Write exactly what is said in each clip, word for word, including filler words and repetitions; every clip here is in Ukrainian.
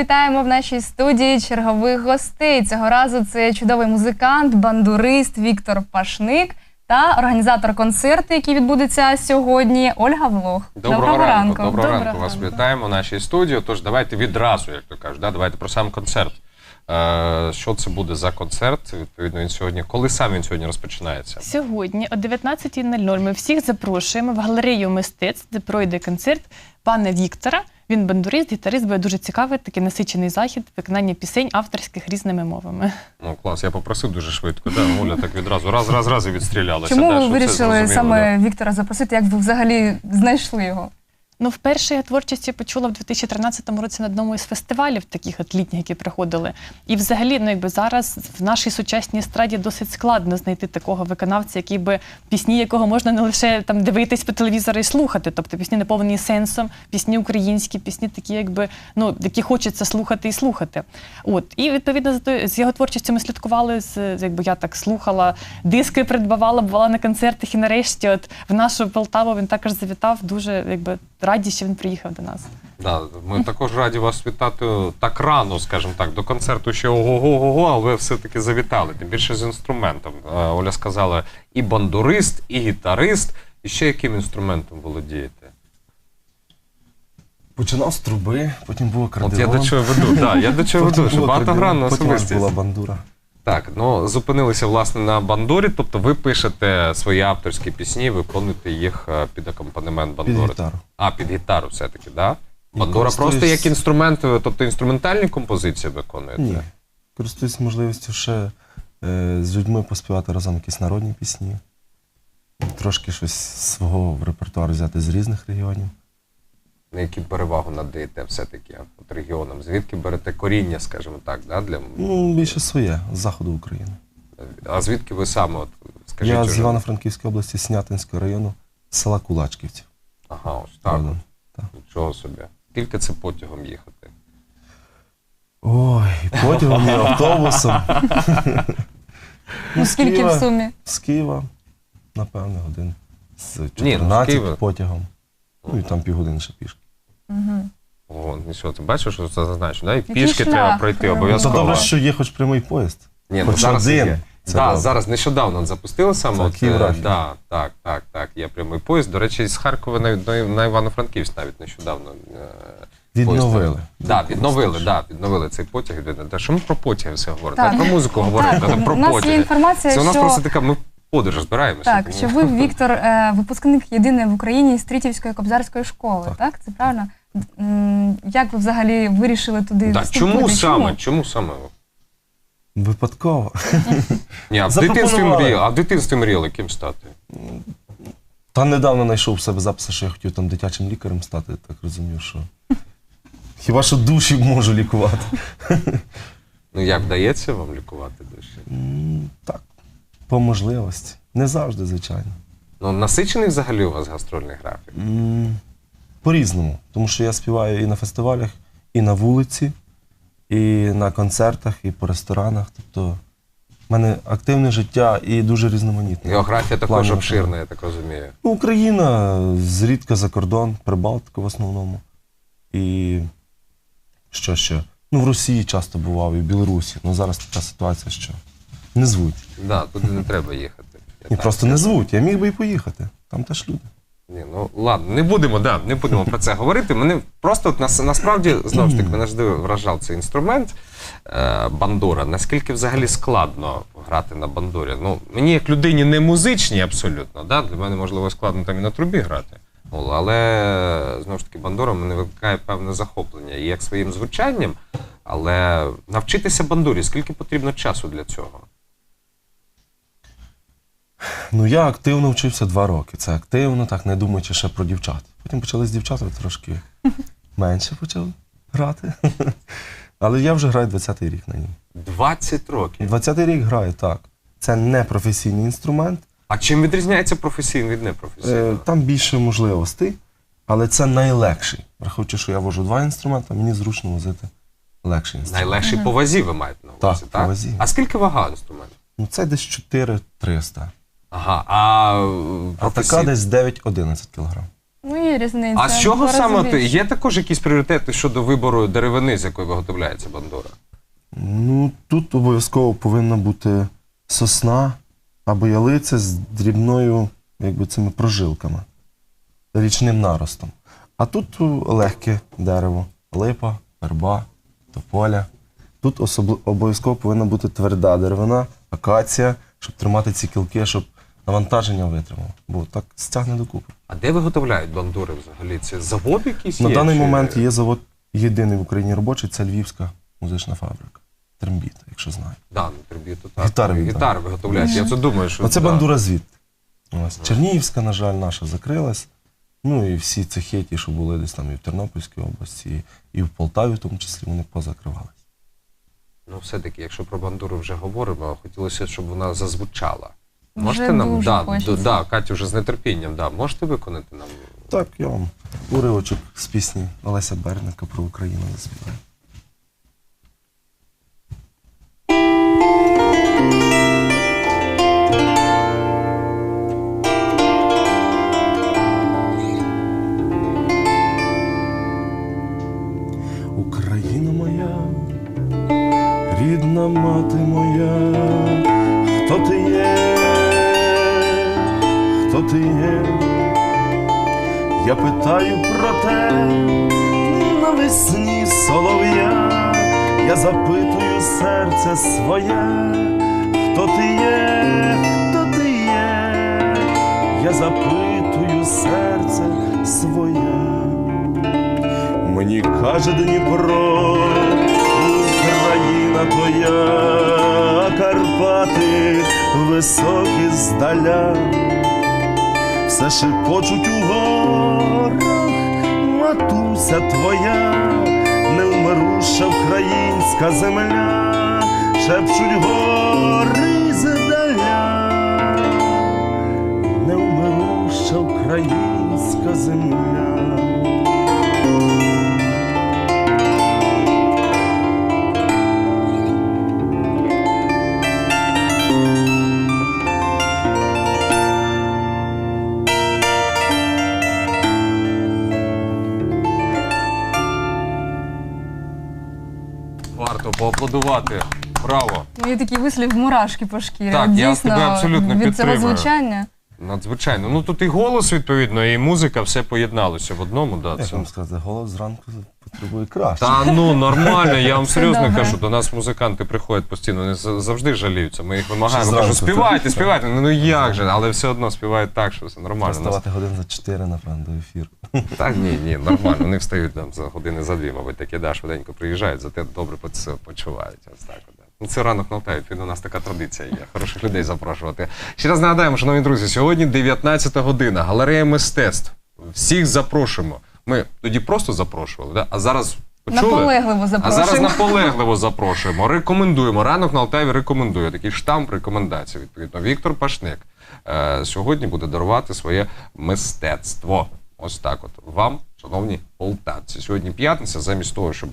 вітаємо в нашій студії чергових гостей. Цього разу це чудовий музикант, бандурист Віктор Пашник та організатор концерту, який відбудеться сьогодні, Ольга Влох. Доброго, Доброго ранку. ранку. Доброго, Доброго ранку. Вас ранку. Вітаємо в нашій студії. Тож давайте відразу, як то кажуть, да? Давайте про сам концерт. Е, що це буде за концерт? Відповідно, він сьогодні. Коли сам він сьогодні розпочинається? Сьогодні о дев'ятнадцятій нуль нуль ми всіх запрошуємо в галерею мистецтв, де пройде концерт пана Віктора. Він бандурист, гітарист, буде дуже цікавий, такий насичений захід, виконання пісень авторських різними мовами. Ну, клас, я попросив дуже швидко, да? Оля так відразу, раз, раз, раз і відстрілялася. Чому да, ви вирішили саме да? Віктора запросити, як ви взагалі знайшли його? Ну, вперше я творчості почула в дві тисячі тринадцятому році на одному із фестивалів, таких от літніх, які приходили. І взагалі, ну, якби зараз в нашій сучасній естраді досить складно знайти такого виконавця, який би, пісні якого можна не лише там дивитись по телевізору і слухати, тобто пісні наповнені сенсом, пісні українські, пісні такі, якби, ну, які хочеться слухати і слухати. От. І, відповідно, з його творчістю ми слідкували, з, якби я так слухала, диски придбавала, бувала на концертах, і нарешті от в нашу Полтаву він також завітав, дуже, якби, раді, що він приїхав до нас. Да, ми також раді вас вітати так рано, скажімо так, до концерту ще ого-го-го, але ви все-таки завітали, тим більше з інструментом. Оля сказала, і бандурист, і гітарист, і ще яким інструментом володієте? Починав з труби, потім був акордеон. От я до чого веду, да, я до чого веду, що багатогранна особистість. Потім була бандура. Так, ну, зупинилися, власне, на бандурі, тобто ви пишете свої авторські пісні, виконуєте їх під акомпанемент бандури. Під гітару. А, під гітару все-таки, так? Да? Бандура користуюсь... просто як інструмент, тобто інструментальні композиції виконуєте? Ні, користуюсь можливістю ще е, з людьми поспівати разом якісь народні пісні, трошки щось свого в репертуар взяти з різних регіонів. На які перевагу надаєте все-таки от регіонам? Звідки берете коріння, скажімо так, да, для... Ну, більше своє, з заходу України. А звідки ви саме, от, скажіть? Я уже... з Івано-Франківської області, Снятинського району, з села Кулачківці. Ага, ось так. Правда, так. Нічого собі. Скільки це потягом їхати? Ой, потягом і автобусом. Ну, скільки в сумі? З Києва, напевно, годин. З чотирнадцяти Ні, ну, потягом. Ну і там півгодини ще пішки. Угу. О, нічого, ти бачиш, що це зазначено, да? І пішки треба пройти обов'язково. Це добре, що є хоч прямий поїзд. Ні, хоч ну, зараз один. Є. Да, зараз нещодавно запустили саме. От, е, да, так, так, так, є прямий поїзд. До речі, з Харкова на, на Івано-Франківськ навіть нещодавно. Відновили. Да, відновили, да, відновили цей потяг. Та що ми про потяги все говоримо? Так. Про музику говоримо, так, про у нас потяги. Є інформація, це у нас що... просто така, ми в подорож збираємося. Так, що ви, Віктор, випускник єдиний в Україні Стрітівської кобзарської школи, так? так? Це правильно? Як ви взагалі вирішили туди да, вступити? Чому саме? Чому саме? Випадково. Ні, а в дитинстві мріяли, а в дитинстві мріяли ким стати? Та недавно знайшов в себе записи, що я хотів там дитячим лікарем стати, так розумів, що хіба що душі можу лікувати. Ну як, вдається вам лікувати душі? Так, по можливості. Не завжди, звичайно. Ну насичений взагалі у вас гастрольний графік? По-різному, тому що я співаю і на фестивалях, і на вулиці, і на концертах, і по ресторанах. Тобто в мене активне життя і дуже різноманітне. Географія також обширна, я так розумію. Ну, Україна, зрідка за кордон, Прибалтика в основному. І що ще? Ну, в Росії часто бував, і в Білорусі. Ну, зараз така ситуація, що не звуть. Так, да, туди не треба їхати. Ні, просто не звуть, я міг би і поїхати. Там теж люди. Ні, ну ладно, не будемо, да, не будемо про це говорити. Мене просто от, нас, насправді, знову ж таки, мене завжди вражав цей інструмент е, бандура. Наскільки взагалі складно грати на бандурі? Ну, мені як людині не музичній абсолютно, да, для мене можливо складно там і на трубі грати. Але знову ж таки бандура мене викликає певне захоплення і як своїм звучанням, але навчитися бандурі, скільки потрібно часу для цього? Ну, я активно вчився два роки. Це активно, так, не думаючи ще про дівчат. Потім почали з дівчатами трошки менше почав грати. Але я вже граю двадцятий рік на ній. двадцять років? двадцятий рік граю, так. Це не професійний інструмент. А чим відрізняється професійний від непрофесійного? Е, там більше можливостей, але це найлегший. Враховуючи, що я вожу два інструменти, мені зручно возити легший інструмент. Найлегший по вазі ви маєте на увазі, так? Так, по вазі. А скільки вага інструменту? Ну, це десь чотири триста. Ага, а А така десь дев'ять-одинадцять кілограм. Ну, є різниця. А з чого Два рази саме ти? більше. Є також якісь пріоритети щодо вибору деревини, з якої виготовляється бандура? Ну, тут обов'язково повинна бути сосна або ялиця з дрібною, якби цими прожилками, річним наростом. А тут легке дерево, липа, верба, тополя. Тут особли- обов'язково повинна бути тверда деревина, акація, щоб тримати ці кілки, щоб навантаження витримало. Бо так стягне докупи. А де виготовляють бандури взагалі? Це завод якийсь На є? даний чи- момент є завод єдиний в Україні робочий, це Львівська музична фабрика. Трембіта, якщо знаєте. Да, ну, триб'юту, так. Гітари відомі. Гітари виготовляють. Я це думаю, що... Оце да. бандура звідти. Ось. Чернігівська, на жаль, наша закрилась. Ну і всі цехи, ті, що були десь там і в Тернопільській області, і в Полтаві, в тому числі, вони позакривались. Ну, все-таки, якщо про бандуру вже говоримо, хотілося, щоб вона зазвучала. Вже Можете нам, дуже да, хочеться. д- да, Катю вже з нетерпінням, да, можете виконати нам? Так, я вам уривочок з пісні Олеся Берника про Україну заспіваю. Україна моя, рідна мати моя, хто ти є, хто ти є? Я питаю про те навесні солов'я, я запитую серце своє, хто ти є, хто ти є? Я запитую серце своє. Мені каже Дніпро, Україна твоя, Карпати високі здаля, все шепочуть у горах, матуся твоя, невмируша українська земля, шепчуть гори здаля, невмируша українська земля. Варто поаплодувати. Браво. Ну, є такий вислів мурашки по шкірі. Так, От я дійсно, тебе абсолютно від цього підтримую. звучання. Надзвичайно. Ну тут і голос, відповідно, і музика, все поєдналося в одному. Да, Як це... вам сказати, голос зранку потребує краще. Та ну нормально, я вам Все серйозно добре. кажу, до нас музиканти приходять постійно, вони за- завжди жаліються. Ми їх вимагаємо, Що кажу, зранку, співайте, так? співайте. Ну, ну як же, але все одно співають так, що все нормально. Нас- Вставати годин за чотири, напевно, до ефіру. Та ні, ні, нормально. Вони встають там за години за дві, мабуть, такі да, швиденько приїжджають, зате добре по це почувають. Ось так. от, да. Ну, це ранок на Алтаві, відповідно, у нас така традиція є. Хороших людей запрошувати. Ще раз нагадаємо, шановні друзі, сьогодні дев'ятнадцята година, галерея мистецтв. Всіх запрошуємо. Ми тоді просто запрошували, да? А зараз почули? Наполегливо А запрошуємо. зараз наполегливо запрошуємо. Рекомендуємо. Ранок на Алтаві рекомендує. Такий штамп рекомендацій. Відповідно, Віктор Пашник е, сьогодні буде дарувати своє мистецтво. Ось так от. Вам, шановні полтавці. Сьогодні п'ятниця, замість того, щоб...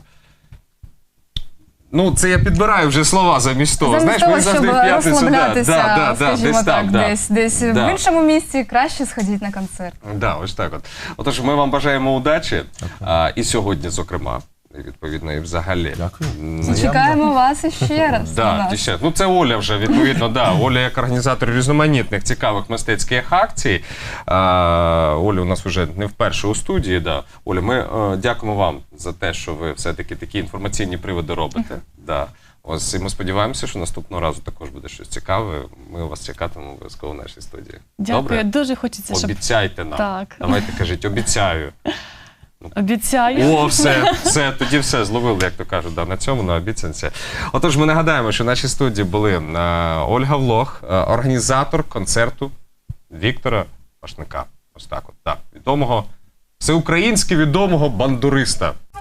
Ну, це я підбираю вже слова замість того. Замість Знаєш, того, мені щоб завжди в п'ятницю... розслаблятися, да, да, да, скажімо десь так, там, да. десь, десь Да. в іншому місці, краще сходіть на концерт. Да, ось так от. Отож, ми вам бажаємо удачі. А, і сьогодні, зокрема, і відповідно, і взагалі. Дякую. М, Взаємно. Чекаємо вас іще раз. у Да, нас. дівчат. Ну це Оля вже, відповідно, да. Оля як організатор різноманітних цікавих мистецьких акцій. А, Оля у нас вже не вперше у студії. Да. Оля, ми е, дякуємо вам за те, що ви все-таки такі інформаційні приводи робите. Да. Ось і ми сподіваємося, що наступного разу також буде щось цікаве. Ми вас чекатимемо обов'язково в нашій студії. Дякую, Добре? дуже хочеться, щоб Обіцяйте нам. Так. Давайте кажіть, обіцяю. обіцяю. О, все, все, тоді все, зловили, як то кажуть, да, на цьому, на обіцянці. Отож, ми нагадаємо, що в нашій студії були е, Ольга Влох, е, організатор концерту Віктора Пашника. Ось так от, так, відомого, всеукраїнськи відомого бандуриста.